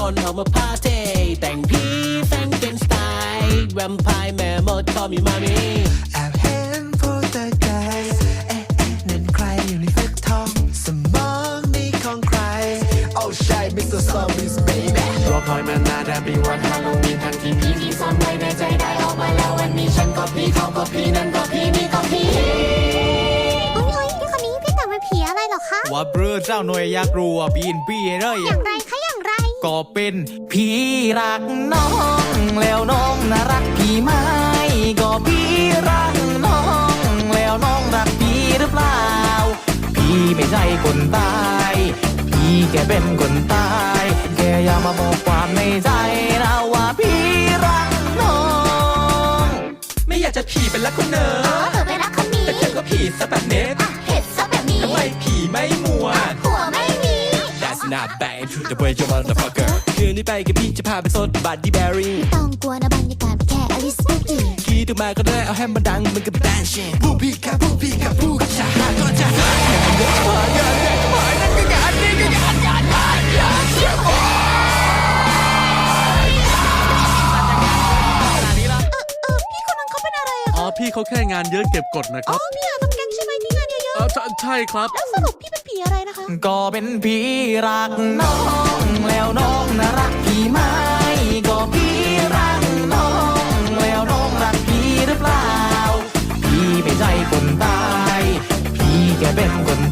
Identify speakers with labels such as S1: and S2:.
S1: คนออกมาพาเทแต่งผีแฟงเป็นสไตล์แวมไพร์แม่มดก็มีมามี
S2: แอบเห็นโพสเตอร์ไกลนั่นใครอยู่ในฟักทองสมองนี่ของใครโอ้ใช่ Mr. Zombies baby
S3: รอคอยมานานแทบปีวันฮาโลวีนทั้งที่ผีที่ซ่อนไว้ในใจได้ออกมาแล้ววันนี้ฉันก็ผีเขาก็ผีนั่นก็ผีนี่ก็ผี
S4: โอ้ยพี่คนนี้พี่แต่งเป็นผีอะไรหรอคะ
S5: ว่าเบอเจ้าหน่วยอยากรู้ว่าปีนปี้เลย
S4: อย่างไรคะอย่างไร
S5: ก็เป็นผีรักน้องแล้วน้องน่ารักพี่ไหมก็พี่รักน้องแล้วน้องรักพี่หรือเปล่าพี่ไม่ใช่คนตายพี่แค่เป็นคนตายแค่อยากมาบอกความในใจนะว่าพี่รักน้อง
S1: ไม่อยากจะผีเป็นรักคนเนอ
S4: เธอไปรักคนนี้
S1: แต่เธอก็ผีซะแบบเน็ต
S4: เผ็ดซะแบบนี้
S1: ทำไมผีไม่มัว
S4: หัวไม่มี
S1: That's not bad to the way you motherfucker คืนนี้ไปกับพี่จะพาไปซดบัตตี้แบรี่
S4: ไม่ต้องกลัวนะบรรยากาศแค่อลิสบุกกี้
S1: คีดออกมาก็ได้เอาให้มันดังมันก็เป็นแดนชิ่งผู้พี่กับผู้พี่กับผู้กับชาหาก็จะหายมันเยอะมากงานใหญ่ก็หายนั่นก็งานนี้ก็งานเสียโอ้
S4: พี่คนนั้นเขาเป็นอะไรอะ
S6: อ๋อพี่เขาแค่งานเยอะเก็บกดนะค
S4: อ๋อ
S6: รับ
S4: พี่อยากทำแก๊งใช่ไหมที่งานเยอะ
S6: ใช่ครับ
S4: ๆแล้วสรุปพี่เป็นผีอะไรนะคะ
S5: ก็เป็นผีรักน้องแล้วน้องน่ารักพี่ไหมก็พี่รักน้องแล้วน้องรักพี่หรือเปล่าพี่ไม่ใช่คนตายพี่แค่เป็นคน